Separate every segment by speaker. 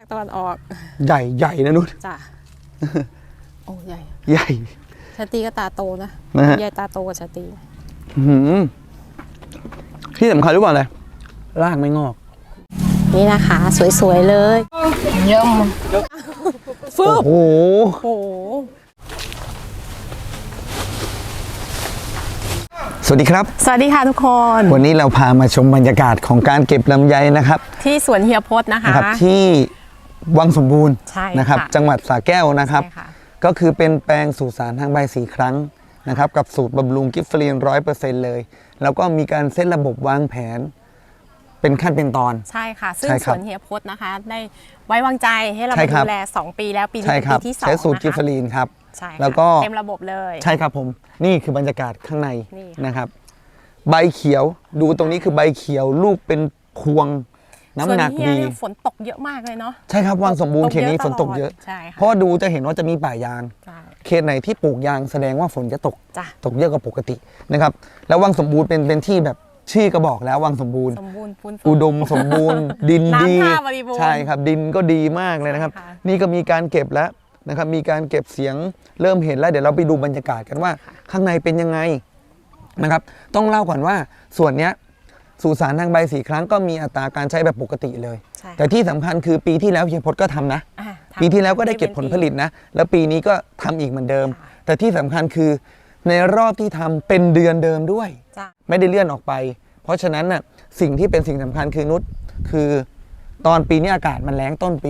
Speaker 1: ตะวันออก
Speaker 2: ใหญ่นะนุช
Speaker 1: จ้ะโอ้ให
Speaker 2: ญ่
Speaker 1: ชาตรีก็ตาโตนะใหญ่ตาโตกว่าชาตรี
Speaker 2: ที่สำคัญรู้ป่ะอะไรรากไม่งอก
Speaker 1: นี่นะคะสวยๆเลยเยี่ยมฟึบ
Speaker 2: โอ้โหสวัสดีครับ
Speaker 1: สวัสดีค่ะทุกคน
Speaker 2: วันนี้เราพามาชมบรรยากาศของการเก็บลำไยนะครับ
Speaker 1: ที่สวนเฮียพจน์นะคะ
Speaker 2: ที่วังสมบูรณ์นะครับจังหวัดสระแก้วนะครับก็คือเป็นแปลงสู่สารทางใบ4 ครั้งนะครับกับสูตรบำรุงกิฟเฟอรีน 100% เลยแล้วก็มีการเซตระบบวางแผนเป็นขั้นเป็นตอน
Speaker 1: ใช่ค่ะซึ่งสวนเฮียพจน์นะคะได้ไว้วางใจให้เราดูแล2 ปีแล้วปีนี้เป็นปีที่2
Speaker 2: ใช้สูตรกิฟเฟอรีนครับ
Speaker 1: แล้วก็เต็มระบบเลย
Speaker 2: ใช่ครับผมนี่คือบรรยากาศข้างในนะครับใบเขียวดูตรงนี้คือใบเขียวลูกเป็นพวงน้ำหนักดี
Speaker 1: ฝนตกเยอะมากเลยเนาะ
Speaker 2: ใช่ครับวังสมบูรณ์เขตนี้ฝนตกเยอะเพราะดูจะเห็นว่าจะมีป่ายางเขตไหนที่ปลูกยางแสดงว่าฝนจะตกเยอะกว่าปกตินะครับแล้ววังสมบูรณ์เป็นที่แบบชื่อก็บอกแล้ววังสมบูรณ์อุดมสมบูรณ์ดินดีใช่ครับดินก็ดีมากเลยนะครับนี่ก็มีการเก็บแล้วนะครับมีการเก็บเสียงเริ่มเห็นแล้วเดี๋ยวเราไปดูบรรยากาศกันว่าข้างในเป็นยังไงนะครับต้องเล่าก่อนว่าส่วนนี้สู่สารทางใบ4 ครั้งก็มีอัตราการใช้แบบปกติเลยแต่ที่สำคัญคือปีที่แล้วเฮียพจน์ก็ทำนะปีที่แล้วก็ได้เก็บผลผลิตนะแล้วปีนี้ก็ทำอีกเหมือนเดิมแต่ที่สำคัญคือในรอบที่ทำเป็นเดือนเดิมด้วยไม่ได้เลื่อนออกไปเพราะฉะนั้นน่ะสิ่งที่เป็นสิ่งสำคัญคือนุชคือตอนปีนี้อากาศมันแล้งต้นปี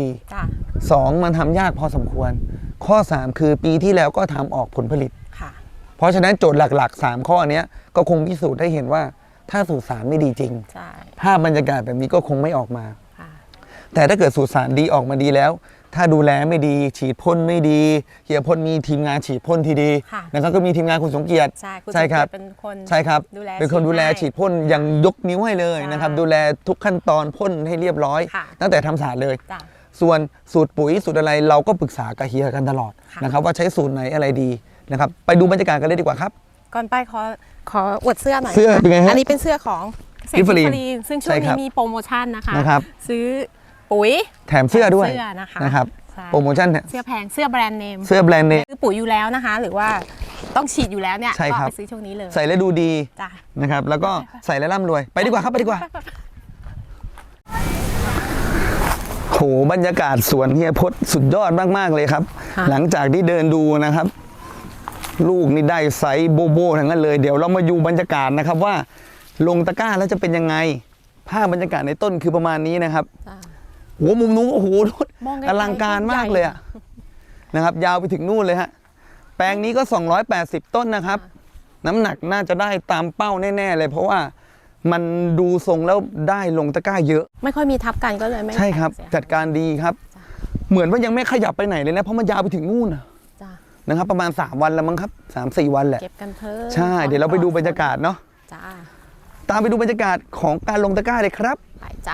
Speaker 2: 2มันทำยากพอสมควรข้อ3คือปีที่แล้วก็ทำออกผลผลิตเพราะฉะนั้นโจทย์หลักๆ3ข้อนี้ก็คงพิสูจน์ได้เห็นว่าถ้าสูตรสารไม่ดีจริงภาพบรรยากาศแบบนี้ก็คงไม่ออกมาแต่ถ้าเกิดสูตรสารดีออกมาดีแล้วถ้าดูแลไม่ดีฉีดพ่นไม่ดีเฮียพ่นมีทีมงานฉีดพ่นที่ดีนะครับก็มีทีมงานคุณสมเกียรติใช่ครับใช่ครับเป็นคนดูแลฉีดพ่นยังยกนิ้วให้เลยนะครับดูแลทุกขั้นตอนพ่นให้เรียบร้อยตั้งแต่ทำสารเลยส่วนสูตรปุ๋ยสูตรอะไรเราก็ปรึกษากับเฮียกันตลอดนะครับว่าใช้สูตรไหนอะไรดีนะครับไปดูบรรยากาศกันเลยดีกว่าครับ
Speaker 1: ก่อนไปขออวดเสื้อหน่อย
Speaker 2: เสื้อเป็นไงฮะ
Speaker 1: อันนี้เป็นเสื้อของกิฟเฟอรีนซึ่งช่วงนี้มีโปรโมชั่นนะคะซื้อปุ๋ย
Speaker 2: แถมเสื้อด้วยนะครับโปรโมชั่น
Speaker 1: เสื้อแพงเสื้อแบรนด์เนม
Speaker 2: ซื้อ
Speaker 1: ปุ๋ยอยู่แล้วนะคะหรือว่าต้องฉีดอยู่แล้วเนี่ยก็ไปซื้อช่วงนี้เลย
Speaker 2: ใส่แล้วดูดีนะครับแล้วก็ใส่แล้วร่ำรวยไปดีกว่าครับไปดีกว่าโหบรรยากาศสวนเฮียพจน์สุดยอดมากๆเลยครับหลังจากที่เดินดูนะครับลูกนี่ได้ไซส์โบโบทั้งนั้นเลยเดี๋ยวเรามาดูบรรยากาศนะครับว่าลงตะกร้าแล้วจะเป็นยังไงภาพบรรยากาศในต้นคือประมาณนี้นะครับโหมุมนู้นโอ้โหอลังการมากเลยอะนะครับยาวไปถึงนู่นเลยฮะแปลงนี้ก็280ต้นนะครับน้ำหนักน่าจะได้ตามเป้าแน่ๆเลยเพราะว่ามันดูทรงแล้วได้ลงตะกร้าเยอะ
Speaker 1: ไม่ค่อยมีทับกันก็เลยไม่
Speaker 2: ใช่ครับจัดการดีครับเหมือนว่ายังไม่ขยับไปไหนเลยนะเพราะมันยาวไปถึงนู่นนะครับประมาณ3 วันแล้วมั้งครับ3-4 วันแหละ
Speaker 1: เก็บกันเพิ่ม
Speaker 2: ใช่เดี๋ยวเราไปดูบรรยากาศเนาะตามไปดูบรรยากาศของการลงตะกร้าเลยครับ
Speaker 1: ไปจ้ะ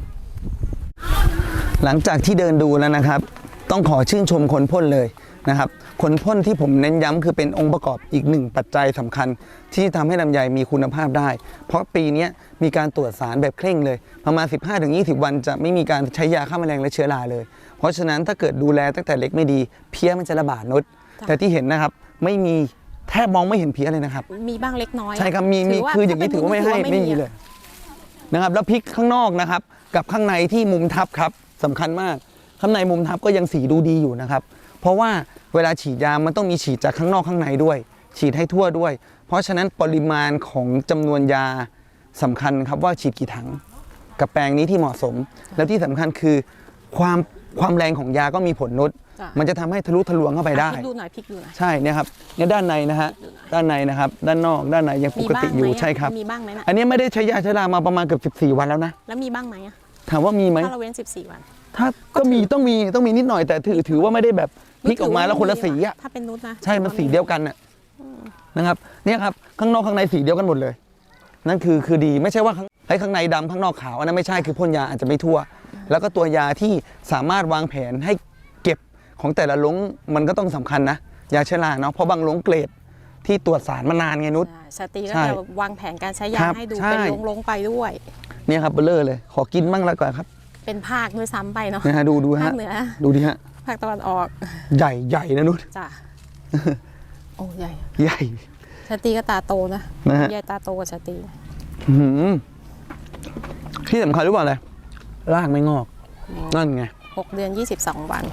Speaker 2: หลังจากที่เดินดูแล้วนะครับต้องขอชื่นชมคนพ่นเลยนะครับคนพ่นที่ผมเน้นย้ำคือเป็นองค์ประกอบอีก1ปัจจัยสำคัญที่ทำให้ลำไยมีคุณภาพได้เพราะปีนี้มีการตรวจสารแบบเคร่งเลยประมาณ 15-20 วันจะไม่มีการใช้ยาฆ่าแมลงและเชื้อราเลยเพราะฉะนั้นถ้าเกิดดูแลตั้งแต่เล็กไม่ดีเพี้ยมันจะระบาดนุชแต่ที่เห็นนะครับไม่มีแทบมองไม่เห็นเพี้ยเลยนะครับ
Speaker 1: มีบ้างเล็กน้อย
Speaker 2: ใช่ครับมีคืออย่างนี้ถือว่าไม่มีเลยนะครับแล้วพริกข้างนอกนะครับกับข้างในที่มุมทับครับสำคัญมากข้างในมุมทับก็ยังสีดูดีอยู่นะครับเพราะว่าเวลาฉีดยามันต้องมีฉีดจากข้างนอกข้างในด้วยฉีดให้ทั่วด้วยเพราะฉะนั้นปริมาณของจำนวนยาสำคัญครับว่าฉีดกี่ถังกับแปลงนี้ที่เหมาะสมแล้วที่สำคัญคือความแรงของยาก็มีผลนุชมันจะทำให้ทะลุทะลวงเข้าไปได้
Speaker 1: ดูหน่อยพลิกดูหน่อย
Speaker 2: ใช่เนี่ยครับเนี่ยด้านในนะฮะด้านในนะครับด้านนอกด้านในยังปกติอยู่ใช่ครับ
Speaker 1: มีบ้างไหมนะ
Speaker 2: อันนี้ไม่ได้ใช้ยาชรามาประมาณเกือบ14 วันแล้วนะ
Speaker 1: แล้วมีบ้างไหม
Speaker 2: ถามว่ามีไหม
Speaker 1: ถ้าเราเว้น14 วัน
Speaker 2: ถ้าก็มีต้องมีนิดหน่อยแต่ถือว่าไม่ได้แบบพลิกออกมาแล้วคนละสีอ่ะ
Speaker 1: ถ้าเป็นนุชนะ
Speaker 2: ใช่มันสีเดียวกันนะครับเนี่ยครับข้างนอกข้างในสีเดียวกันหมดเลยนั่นคือดีไม่ใช่ว่าข้างในดำข้างนอกขาวอันนั้นไม่ใช่คือพ่นยาอาจจะไม่ทั่วแล้วก็ตัวยาที่สามารถวางแผนให้เก็บของแต่ละลงมันก็ต้องสำคัญนะยาเชื้อราเนาะเพราะบางลงเกรดที่ตรวจสารมานานไงนุช
Speaker 1: สตรีก็จะวางแผนการใช้ยาให้ดูเป็นลงไปด้วย
Speaker 2: เนี่ยครับเบลเลอร์เลยขอกินบ้างแล้วก่อนครับ
Speaker 1: เป็นภาคด้วยซ้ำไปเนาะ
Speaker 2: นะฮะดูฮะ
Speaker 1: ภาคเหนือ
Speaker 2: ดูดิฮะ
Speaker 1: ภาคตะวันออก
Speaker 2: ใหญ่นะนุช
Speaker 1: จ้ะ โอ้ใหญ่
Speaker 2: ใหญ่
Speaker 1: ชาตรีก็ตาโตนะ
Speaker 2: นะฮะ
Speaker 1: ใหญ่ตาโตกว่าชาตรี
Speaker 2: อื้อหือที่สำคัญรู้เปล่าอะไรรากไม่งอก นั่นไง
Speaker 1: 6 เดือน 22 วัน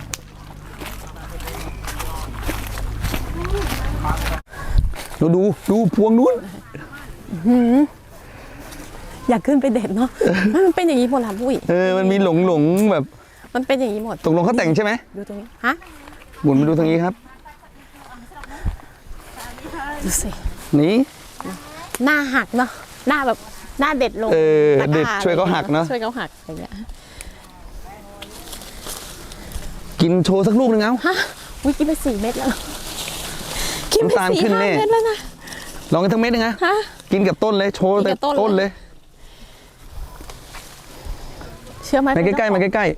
Speaker 2: ดูพวงนู้น
Speaker 1: อยากขึ้นไปเด็ดเนาะ มันเป็นอย่างนี้หมดละปุ้ย
Speaker 2: มันมีหลงแบบ
Speaker 1: มันเป็นอย่างนี้หมด
Speaker 2: ตกลงเขาแต่งใช่ไหม
Speaker 1: ดูตรงนี้ฮะ
Speaker 2: หมุนมาดูทางนี้ครับ
Speaker 1: ดูสิ
Speaker 2: นี่
Speaker 1: หน้าหักเนาะหน้าแบบหน้าเด็ดลงตะกร้า
Speaker 2: เด็ดช่วยเขาหักเนาะ
Speaker 1: ช่วยเขาหักอย่างเงี้ย
Speaker 2: กินโชว์สักลูกหนึงเอา
Speaker 1: ฮะวิกินไป4 เม็ดแล้วกินไป
Speaker 2: น้ำตาลขึ้น
Speaker 1: 4-5
Speaker 2: แน่
Speaker 1: เม็ดแล้วนะ
Speaker 2: ลองกันทั้งเม็ดนึงนะ
Speaker 1: ฮะ
Speaker 2: กินกับต้นเลยโชว์
Speaker 1: กิน
Speaker 2: แต่
Speaker 1: กับต้น
Speaker 2: ต้นเลย
Speaker 1: เชื่อไหม
Speaker 2: มาใกล้ๆมาใกล้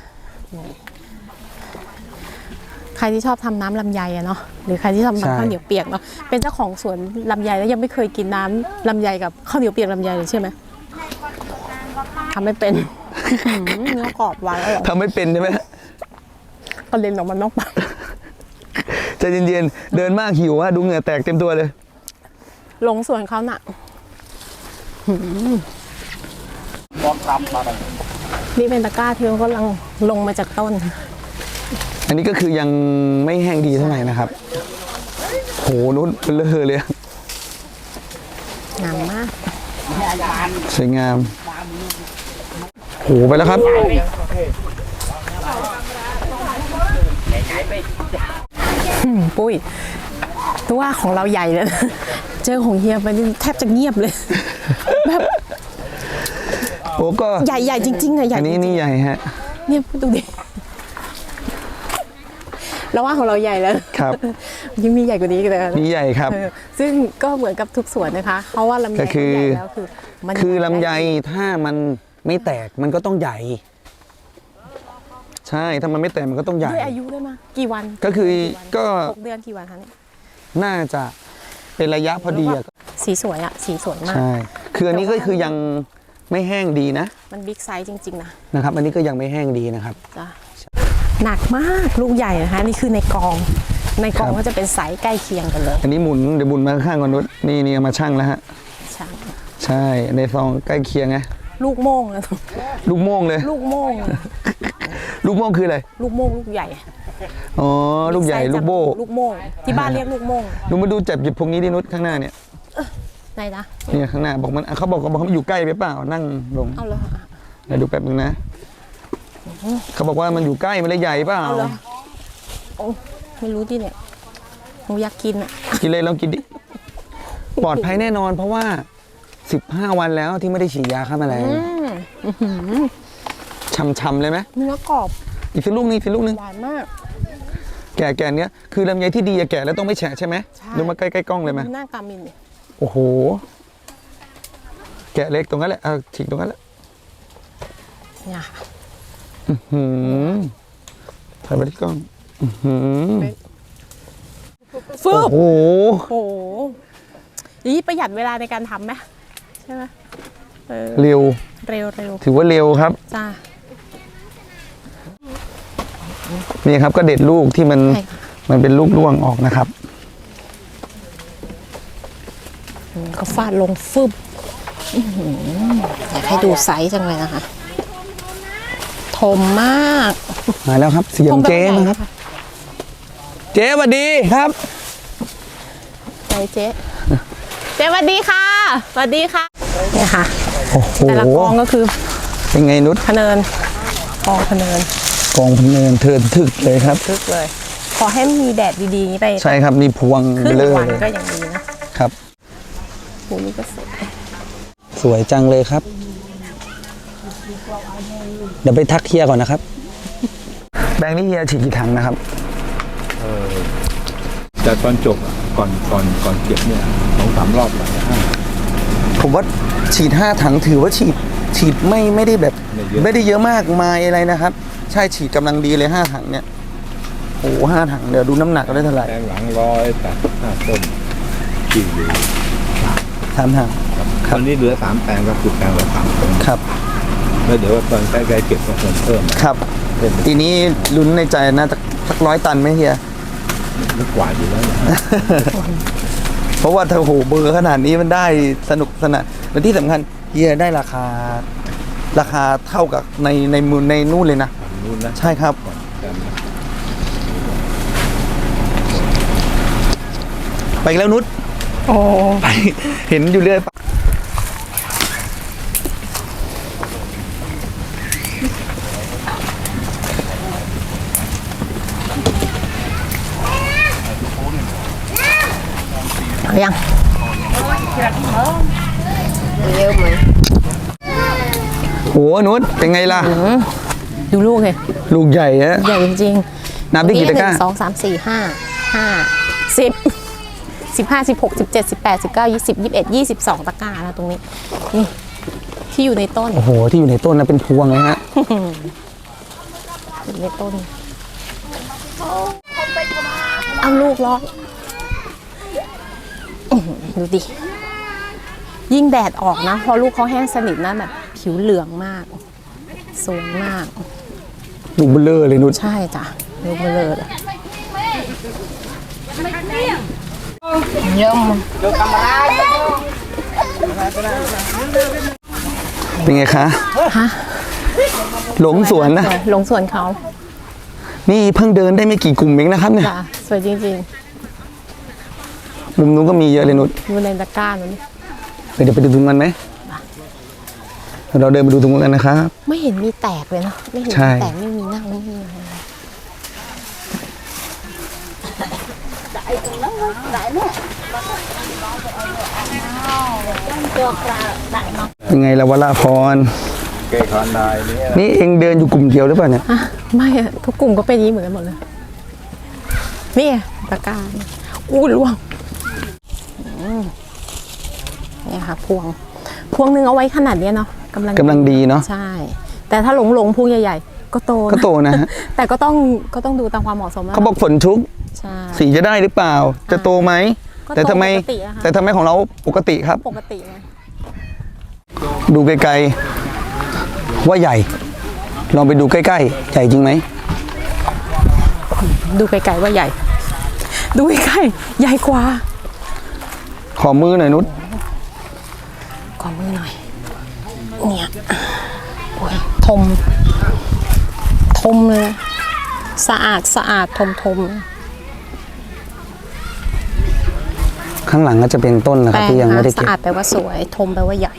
Speaker 1: ใครที่ชอบทำน้ำลำไยอะเนาะหรือใครที่ทำ
Speaker 2: ใช่
Speaker 1: ข้าวเหนียวเปียกเนาะเป็นเจ้าของสวนลำไยแล้วยังไม่เคยกินน้ำลำไยกับข้าวเหนียวเปียกลำไยเลยใช่ไหมทำไม่เป็น เนื้อกรอบหวานอร่อย
Speaker 2: ๆทำไม่เป็นใช่ไหม
Speaker 1: กระเด็นออกมานอกปาก
Speaker 2: ใจเย็นๆเดินมากหิวอะดูเหงื่อแตกเต็มตัวเลย
Speaker 1: ลงสวนเขาน่ะนี่เป็นตะกร้าที่เขากำลังลงมาจากต้น
Speaker 2: อันนี้ก็คือยังไม่แห้งดีเท่าไหร่นะครับ โหนู้นเลอะเลย
Speaker 1: งามมาก
Speaker 2: สวยงาม โหไปแล้วครับ
Speaker 1: ปุ้ยตัวว่าของเราใหญ่เลยนะเจอของเฮียไปนี่แทบจะเงียบเลย แบบ
Speaker 2: โอ้ก็
Speaker 1: ใหญ่จริงๆอะใหญ่
Speaker 2: อันนี้
Speaker 1: จริง
Speaker 2: นี่ใหญ่ฮะ
Speaker 1: ๆเนี่ยดูดิเราว่าของเราใหญ่แล้ว
Speaker 2: ครับ
Speaker 1: ยังมีใหญ่กว่านี้อีกเลยนะ
Speaker 2: นี่ใหญ่ครับ
Speaker 1: ซึ่งก็เหมือนกับทุกสวนนะคะเพราะว่าลำไย
Speaker 2: ก็คือ
Speaker 1: ใหญ่แล้วคือมัน
Speaker 2: คือลำไยถ้ามันไม่แตกมันก็ต้องใหญ่ ใช่ถ้ามันไม่แตกมันก็ต้องใหญ่
Speaker 1: ด้วยอายุด้วยมั้ยกี่วัน
Speaker 2: ก็คือก็
Speaker 1: 6 เดือนกี่วันคะเนี่ย
Speaker 2: น่าจะเป็นระยะพอดีอะ
Speaker 1: สีสวยอะสีสวยมาก
Speaker 2: ใช่คืออันนี้ก็คือยังไม่แห้งดีนะ
Speaker 1: มันบิ๊กไซส์จริงๆนะ
Speaker 2: นะครับ อันนี้ก็ยังไม่แห้งดีนะครับ
Speaker 1: จ้ะหนักมากลูกใหญ่นะคะนี่คือในกอง
Speaker 2: ครับ
Speaker 1: ก็จะเป็นไซส์ใกล้เคียงกันเลย
Speaker 2: อันนี้หมุนเดี๋ยวหมุนมาข้างๆก่อนนุชนี่เอามาชั่งแล้วฮะ
Speaker 1: ใช่
Speaker 2: ใช่ในซองใกล้เคียงไง
Speaker 1: ลูกโม่งนะ
Speaker 2: ลูกโม่งเลย
Speaker 1: ลูกโม่ง
Speaker 2: ลูกโม่งคืออะไร
Speaker 1: ลูกโม่งลูกใหญ่
Speaker 2: อ๋อลูกใหญ่ลูกโบ้
Speaker 1: ลูกโม่งที่บ้านเรียกลูกโม่ง
Speaker 2: ดูมาดูจับหยิบพวกนี้ดินุชข้างหน้าเนี่ย
Speaker 1: ไหนนะ
Speaker 2: เนี่ยข้างหน้าบอกมันเขาบอกมันอยู่ใกล้ไปเปล่านั่งลง
Speaker 1: เอาเลย
Speaker 2: เดี๋ยวดูแป๊บนึงนะเขาบอกว่ามันอยู่ใกล้มันเลยใหญ่เปล่า
Speaker 1: เอาเลยโอ้ไม่รู้ดิเนี่ยหนูอยากกินอ่ะ
Speaker 2: กินเลยลองกินดิปลอดภัยแน่นอน เพราะว่า15 วันแล้วที่ไม่ได้ฉีดยาฆ่าแมลงช่ำๆเลยไหม
Speaker 1: เนื้อกรอบ
Speaker 2: อีกสักลูกนึงอีกสักลูกนึง
Speaker 1: หวานมาก
Speaker 2: แก่เนี้ยคือลำไยที่ดีอะแก่แล้วต้องไม่แฉะใช่ไหม
Speaker 1: ใช่
Speaker 2: ดูมาใกล้ๆกล้องเลยไหม
Speaker 1: หน้ากามินเนี่ย
Speaker 2: โอ้โหแกะเล็กตรงนั้นแหละเอาฉีกตรงนั้นแหละ
Speaker 1: เนี่ย
Speaker 2: หืมถ่ายไปที่กล้องหืม
Speaker 1: ฟึ
Speaker 2: โอ้
Speaker 1: บ
Speaker 2: โห
Speaker 1: โอ้โหนี่ประหยัดเวลาในการทำไหมใช่ไหมเออ
Speaker 2: เร็ว
Speaker 1: เร็วเร็ว
Speaker 2: ถือว่าเร็วครับ
Speaker 1: จ้า
Speaker 2: นี่ครับก็เด็ดลูกที่มัน
Speaker 1: ใช่ค่ะ
Speaker 2: มันเป็นลูกร่วงออกนะครับ
Speaker 1: ก็ฟาดลงฟึบอื้อหืออยากให้ดูไซส์จังเลยนะคะทมมาก
Speaker 2: มาแล้วครับเสียงเจ๊นะครับ เจ๊สวัสดีครับ
Speaker 1: ใจเจ๊เจ๊สวัสดีค่ะสวัสดีค่ะเนี่ยค่ะ
Speaker 2: โอ้โห
Speaker 1: แต่ละกองก็คือ
Speaker 2: เป็นไงนุช
Speaker 1: พะเนินกองพะเนิน
Speaker 2: กองพะเนินเทินถึกเลยครับ
Speaker 1: ทึกเลย ขอให้มีแดดดีๆอย่างนี้ไป
Speaker 2: ใช่ครับนี่พวง
Speaker 1: ครึ่ง
Speaker 2: เลย
Speaker 1: วันก็ยังดีนะครับ โหนี่ก็สวย
Speaker 2: สวยจังเลยครับ เดี๋ยวไปทักเฮียก่อนนะครับ แบงค์นี่เฮียฉีดกี่ถังนะครับ
Speaker 3: แต่ตอนจบอะก่อนเก็บเนี่ย2-3 รอบแล้วนะ
Speaker 2: ผมว่าฉีด5 ถังถือว่าฉีดไม่ได้แบบ ไม่ได้เยอะมากมายอะไรนะครับ ใช่ฉีดกำลังดีเลย5 ถังเนี่ยโอ้5 ถังเดี๋ยวดูน้ำหนักได้เท่าไหร่
Speaker 3: แปลงหลัง185 ต้นที่อยู่
Speaker 2: 3 ถัง
Speaker 3: ตอนนี้เหลือ3 แปลงก็คือแปลงละ3 ต้น
Speaker 2: ครับ
Speaker 3: แล้วเดี๋ยวตอนใกล้ๆเก็บก็เพิ่ม
Speaker 2: ครับทีนี้ลุ้นในใจนะสัก100 ตันไหมเฮีย
Speaker 3: ไม่กว่าอยู่แล้วนะ
Speaker 2: เพราะว่าเธอโหเบอร์ขนาดนี้มันได้สนุกสนานและที่สำคัญเฮียได้ราคาเท่ากับในมือในนู่นเลยนะ
Speaker 3: นู่นนะ
Speaker 2: ใช่ครับ ไปอีกแล้วนุช
Speaker 1: โอ้
Speaker 2: ไปเห็นอยู่เรื่อย
Speaker 1: เอายัง
Speaker 2: โหนุชเป็นไงล่ะ
Speaker 1: ดูลูกเลย
Speaker 2: ลูกใหญ่ฮะ
Speaker 1: ใหญ่จริง
Speaker 2: นับได้กี่ตะกร้า
Speaker 1: 1 2 3 4 5 10 15 16 17 18 19 20 21 22 ตะกร้านะตรงนี้นี่ที่อยู่ในต้น
Speaker 2: โอ้โห ที่อยู่ในต้นนะเป็นพวงเลยฮะ
Speaker 1: อยู่ในต้นเอาลูกล็อกดูดิยิ่งแดดออกนะพอลูกเขาแห้งสนิทนะแบบผิวเหลืองมากสวยมาก
Speaker 2: ลูกเบลเลอร์เลยนุช
Speaker 1: ใช่จ้ะลูกเบลอเลย
Speaker 2: เป็นไงคะ
Speaker 1: ฮะ
Speaker 2: หลงสวนนะ
Speaker 1: หลงสวนเขา
Speaker 2: นี่เพิ่งเดินได้ไม่กี่กลุ่มเองนะครับเนี่ย
Speaker 1: จ้ะสวยจริง
Speaker 2: มุมนู้นก็มีเยอะเลยนุช
Speaker 1: ๆดูในตะกร้านู้น
Speaker 2: เดี๋ยวไปดูตรงนั้นไหมเราเดินไปดูตรงนั้นกันนะครับ
Speaker 1: ไม่เห็นมีแตกเลยเนาะไม่เห็น
Speaker 2: ใช่
Speaker 1: มีแตกไม่มีเน่าไม่มีอะไร
Speaker 2: เป็นไงละวราพร
Speaker 3: เกยคอนได้เนี่ย
Speaker 2: นี่เองเดินอยู่กลุ่มเดียวหรือเปล่าเนี่ย
Speaker 1: อ่ะไม่อะทุกกลุ่มก็เป็นอย่างนี้เหมือนกันหมดเลยนี่ตะกร้าอู้ล่วงนี่ค่ะพวงหนึ่งเอาไว้ขนาดเนี้ยเนาะกำลัง
Speaker 2: ดีเนาะ
Speaker 1: ใช่ แต่ถ้าหลงพวงใหญ่ๆก็โตนะ
Speaker 2: ก็โตนะฮะ
Speaker 1: แต่ก็ต้องดูตามความเหมาะสมนะ
Speaker 2: เขาบอกฝนชุก
Speaker 1: ใช่
Speaker 2: สีจะได้หรือเปล่า จะโตไหม
Speaker 1: ก็โต
Speaker 2: แต่ทำไม
Speaker 1: ปกติอะค่ะ
Speaker 2: แต่ทำไมของเราปกติครับ
Speaker 1: ปกติไง
Speaker 2: ดูไกลๆว่าใหญ่ ลองไปดูใกล้ๆ ใหญ่จริงไหม
Speaker 1: ดูไกลๆว่าใหญ่ ดูใกล้ๆใหญ่กว่า
Speaker 2: ขอมือหน่อยนุช
Speaker 1: ขอมือหน่อยเนี่ยโอ้ยทมเลยสะอาดทม
Speaker 2: ข้างหลังก็จะเป็นต้นนะครับที่ยังไม่ได้
Speaker 1: สะ
Speaker 2: เก็บ
Speaker 1: อาดแปลว่าสวยทมแปลว่าใหญ่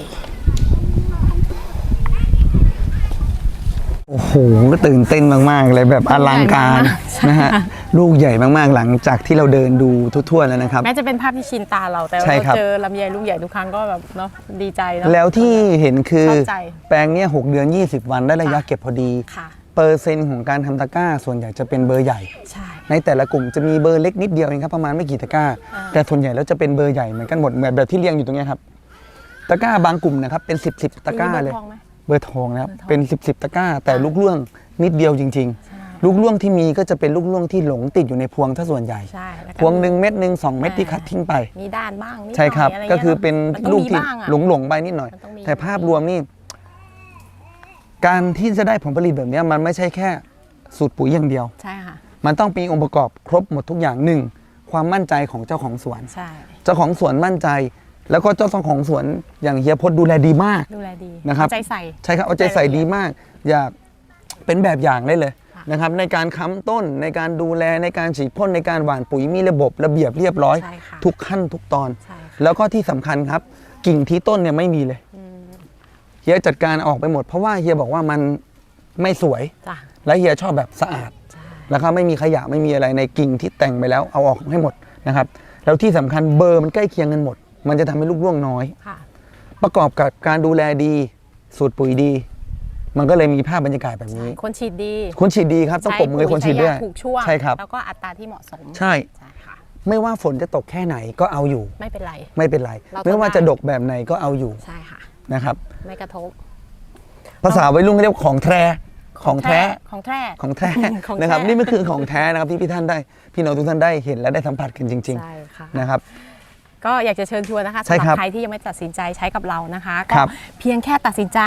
Speaker 2: โอ้โหก็ตื่นเต้นมากๆเลยแบบอลังการ
Speaker 1: ใช่
Speaker 2: นะฮะลูกใหญ่มากๆหลังจากที่เราเดินดูทั่วๆแล้วนะครับ
Speaker 1: แม้จะเป็นภาพที่ชินตาเราแต่
Speaker 2: ใช่
Speaker 1: เรา
Speaker 2: ครับ
Speaker 1: เจอลำไยลูกใหญ่ทุกครั้งก็แบบเนาะดีใจเนาะ
Speaker 2: แล้วที่เห็นคือ
Speaker 1: ชอบใจ
Speaker 2: แปลงเนี้ย6 เดือน 20 วันได้ระยะเก็บพอดี
Speaker 1: ค่ะ
Speaker 2: เปอร์เซ็นต์ของการทำตะกร้าส่วนใหญ่จะเป็นเบอร์ใหญ่
Speaker 1: ใช่
Speaker 2: ในแต่ละกลุ่มจะมีเบอร์เล็กนิดเดียวเองครับประมาณไม่กี่ตะกร้า แต่ส่วนใหญ่แล้วจะเป็นเบอร์ใหญ่เหมือนกันหมดแบบที่เรียงอยู่ตรงเนี้ยครับตะกร้าบางกลุ่มนะครับเป็น10ตะกร้าเลย
Speaker 1: มีบอร์ทองไหม
Speaker 2: เบอร์ทองนะครับเป็น10ตะกร้า แต่ลูกล่วงนิดเดียวจริง ๆ ลูกล่วงที่มีก็จะเป็นลูกล่วงที่หลงติดอยู่ในพวงถ้าส่วนใหญ่
Speaker 1: ใช่แล้
Speaker 2: พวงหนึ่งเม็ดหนึ่ง2 เม็ดที่คัดทิ้งไป
Speaker 1: มีด้านบ้างนิด
Speaker 2: ใช่ครับ
Speaker 1: หน่ยะไงี้ย
Speaker 2: ก็คือเป็น
Speaker 1: มันต้อง
Speaker 2: ลูก
Speaker 1: มี
Speaker 2: ที่
Speaker 1: บ้างอะ
Speaker 2: หลงไปนิดหน่อย
Speaker 1: มันต้องมี
Speaker 2: แต่ภาพรวมนี่ การที่จะได้ผลผลิตแบบเนี้ยมันไม่ใช่แค่สูตรปุ๋ยอย่างเดียว
Speaker 1: ใช่ค่ะ
Speaker 2: มันต้องมีองค์ประกอบครบหมดทุกอย่างหนึ่งความมั่นใจของเจ้าของสวน
Speaker 1: ใช่
Speaker 2: เจ้าของสวนมั่นใจ แล้วก็เจ้าของสวนอย่างเฮียพจน์ดูแลดีมาก
Speaker 1: ดูแลดี
Speaker 2: นะครับ
Speaker 1: เอาใจใส่
Speaker 2: ใช่ครับเอาใจใส่ดีมาก อยากเป็นแบบอย่างได้เลย
Speaker 1: ค่ะ
Speaker 2: นะครับ ในการค้ำต้นในการดูแลในการฉีดพ่นในการหว่านปุ๋ยมีระบบระเบียบเรียบร้อย
Speaker 1: ใช่ค่ะ
Speaker 2: ทุกขั้นทุกตอน
Speaker 1: ใช่ค่ะ
Speaker 2: แล้วก็ที่สำคัญครับ กิ่งที่ต้นเนี่ยไม่มีเลยเฮียจัดการออกไปหมด เพราะว่าเฮียบอกว่ามันไม่สวย
Speaker 1: จ้ะ
Speaker 2: และเฮียชอบแบบสะอาด
Speaker 1: ใช่
Speaker 2: แล้วก็ไม่มีขยะไม่มีอะไรในกิ่งที่แต่งไปแล้วเอาออกให้หมดนะครับแล้วที่สำคัญเบอร์มันใกล้เคียงกันหมด มันจะทำให้ลูกร่วงน้อย
Speaker 1: ค่ะ
Speaker 2: ประกอบกับการดูแลดีสูตรปุ๋ยดี มันก็เลยมีภาพบรรยากาศแบบนี้
Speaker 1: คนฉีดดี
Speaker 2: คนฉีดดีครับต้องปรบมือให้คนฉีดด้วย
Speaker 1: ใช้ปุ๋ใช้ยาถูกช่วง
Speaker 2: ใช่ครับ
Speaker 1: แล้วก็อัตราที่เหมาะสม
Speaker 2: ใช่
Speaker 1: ใช่ค่ะ
Speaker 2: ไม่ว่าฝนจะตกแค่ไหนก็เอาอยู่
Speaker 1: ไม่เป็นไร
Speaker 2: ไม่เป็นไร
Speaker 1: เรา
Speaker 2: ไม่ว่า
Speaker 1: ทำได้
Speaker 2: จะดกแบบไหนก็เอาอยู่
Speaker 1: ใช่ค่ะ
Speaker 2: นะครับ
Speaker 1: ไม่กระทบ
Speaker 2: ภาษาวัยรุ่นเขาเรียกว่าของแท้ของแท้
Speaker 1: ของแท้
Speaker 2: ของแท้
Speaker 1: ของแท้
Speaker 2: นะครับนี่มันคือของแท้นะครับที่พี่ท่านได้พี่น้องทุกท่านได้เห็นและได้สัมผัสกันจริง
Speaker 1: ใช่ค่ะ
Speaker 2: ๆนะครับ
Speaker 1: ก็อยากจะเชิญชวนนะคะ
Speaker 2: ใช่
Speaker 1: สำห
Speaker 2: ครั
Speaker 1: รับบ ใครที่ยังไม่ตัดสินใจใช้กับเรานะคะก็
Speaker 2: ครับ
Speaker 1: เพียงแค่ตัดสินใจ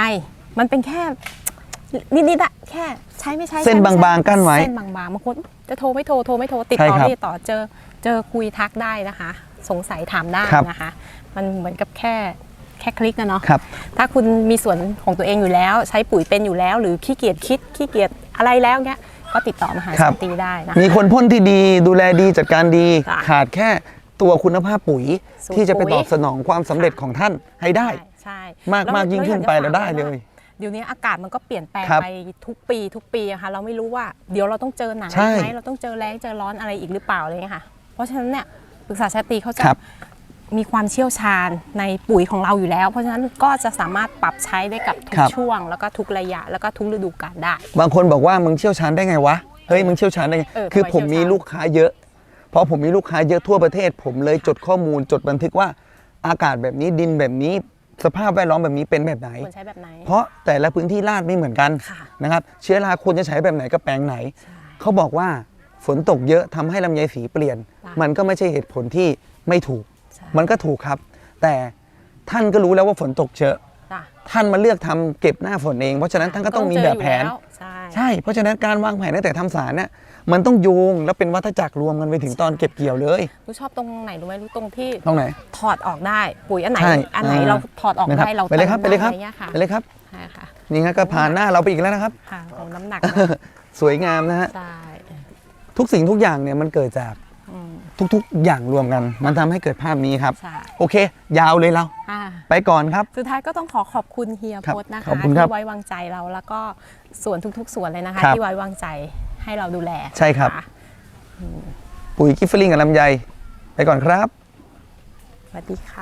Speaker 1: มันเป็นแค่นิดๆอะแค่ใช้ไม่ใช้
Speaker 2: เส้นบางๆกั้นไว้
Speaker 1: เส้นบางๆบางคนจะโทรไม่โทรติด
Speaker 2: ใช่
Speaker 1: ต่อ
Speaker 2: ครับ
Speaker 1: ไม่ติดต่อเจอคุยทักได้นะคะ สงสัยถามได้
Speaker 2: ครับ
Speaker 1: นะคะ มันเหมือนกับแค่คลิกนะเนาะ
Speaker 2: ครับ
Speaker 1: ถ้าคุณมีส่วนของตัวเองอยู่แล้ว ใช้ปุ๋ยเป็นอยู่แล้ว หรือขี้เกียจคิดขี้เกียจอะไรแล้วเนี้ยก็ติดต่อมหา
Speaker 2: ครั
Speaker 1: สั
Speaker 2: บ
Speaker 1: นติได้นะ
Speaker 2: มีคนพ่นที่ดีดูแลดีจัดการดี
Speaker 1: จ้ะ
Speaker 2: ขาดแค่ตัวคุณภาพปุ๋ย
Speaker 1: สูตร
Speaker 2: ที่จะไป
Speaker 1: ปุ๋ย
Speaker 2: ตอบสนองความสำเร็จของท่านให้ได้
Speaker 1: ใช่
Speaker 2: มาก
Speaker 1: แล้ว
Speaker 2: มากยิ่งขึ้นไป
Speaker 1: แว
Speaker 2: เราได้เลย
Speaker 1: เดี๋ยวนี้อากาศมันก็เปลี่ยนแปลง
Speaker 2: ครับ
Speaker 1: ไปทุกปีอะค่ะเราไม่รู้ว่าเดี๋ยวเราต้องเจอหนัก
Speaker 2: ใช่
Speaker 1: ไหมเราต้องเจอแรงเจอร้อนอะไรอีกหรือเปล่าอะไรอย่างเงี้ยค่ะ เพราะฉะนั้นเนี่ยปรึกษาชาตรีเขาจะ
Speaker 2: ครับ
Speaker 1: มีความเชี่ยวชาญในปุ๋ยของเราอยู่แล้ว เพราะฉะนั้นก็จะสามารถปรับใช้ได้กับทุก
Speaker 2: ครับ
Speaker 1: ช่วงแล้วก็ทุกระยะแล้วก็ทุกฤดูกาลได้
Speaker 2: บางคนบอกว่ามึงเชี่ยวชาญได้ไงวะ เฮ้ยมึงเชี่ยวชาญได้ไง คือ
Speaker 1: ทำไม
Speaker 2: ผมมี
Speaker 1: เชี่ยวชาญ
Speaker 2: ลูกค้าเยอะ เพราะผมมีลูกค้าเยอะทั่วประเทศ ผมเลยจดข้อมูลจดบันทึกว่าอากาศแบบนี้ดินแบบนี้สภาพแวดล้อมแบบนี้เป็นแบบไหน
Speaker 1: ควรใช้แบบไหน
Speaker 2: เพราะแต่ละพื้นที่ลาดไม่เหมือนกัน
Speaker 1: ค่ะ
Speaker 2: นะครับเชื้อราควรจะใช้แบบไหนกับแปลงไหน เขาบอกว่าฝนตกเยอะทำให้ลำไยสีเปลี่ยน
Speaker 1: ค่ะ
Speaker 2: มันก็ไม่ใช่เหตุผลที่ไม่ถูก
Speaker 1: ใช่
Speaker 2: มันก็ถูกครับ แต่ท่านก็รู้แล้วว่าฝนตกเยอะ
Speaker 1: จ้ะ
Speaker 2: ท่านมาเลือกทำเก็บหน้าฝนเอง เพราะฉะนั้นท่านก็ต้องมีแบบแผน
Speaker 1: เจออยู่ล้วใช่
Speaker 2: ใช่ เพราะฉะนั้นการวางแผนตั้งแต่ทำสารเนี่ยมันต้องโยงแล้วเป็นวัฏจักรรวมกันไปถึงตอนเก็บเกี่ยวเลย
Speaker 1: รู้ชอบตรงไหนรู้ไหมรู้ตรงที่
Speaker 2: ตรงไหน
Speaker 1: ถอดออกได้ปุ๋ยอันไหน
Speaker 2: ใช่
Speaker 1: อันไหนเราถอดออก
Speaker 2: นะครับ
Speaker 1: ได้เรา
Speaker 2: ไปเลยครับไป
Speaker 1: ติม
Speaker 2: เลยครับ
Speaker 1: ด้อะไงี้ยค่ะ
Speaker 2: ไปเลยครับ
Speaker 1: ใช่ค่ะ
Speaker 2: นี่งั้นก็ผ่านหน้าเราไปอีกแล้วนะครับ
Speaker 1: ค่ะของน้ำหนัก
Speaker 2: สวยงามนะฮะ
Speaker 1: ใช่
Speaker 2: ทุกสิ่งทุกอย่างเนี่ยมันเกิดจาก
Speaker 1: อืม
Speaker 2: ทุกๆ อย่างรวมกัน มันทำให้เกิดภาพนี้ครับ
Speaker 1: ใช่
Speaker 2: โอเค ยาวเลยเรา
Speaker 1: อ่า
Speaker 2: ไปก่อนครับ
Speaker 1: สุดท้ายก็ต้องขอบคุณเฮีย
Speaker 2: ครับ
Speaker 1: พจน์นะคะ
Speaker 2: ขอบคุณครับ
Speaker 1: ที่ไว้วางใจเราแล้วก็ส่วนทุกๆส่วนเลยนะคะ
Speaker 2: ครับ
Speaker 1: ที่ไว้วางใจให้เราดูแล
Speaker 2: ใช่ครับ
Speaker 1: นะะ
Speaker 2: ปุ๋ยกิฟเฟอริงกับลำไย ไปก่อนครับ
Speaker 1: สวัสดีค่ะ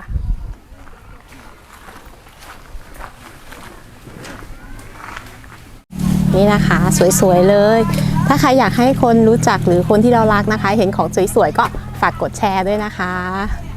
Speaker 1: นี่นะคะสวยๆเลย ถ้าใครอยากให้คนรู้จักหรือคนที่เรารักนะคะ เห็นของสวยๆก็ฝากกดแชร์ด้วยนะคะ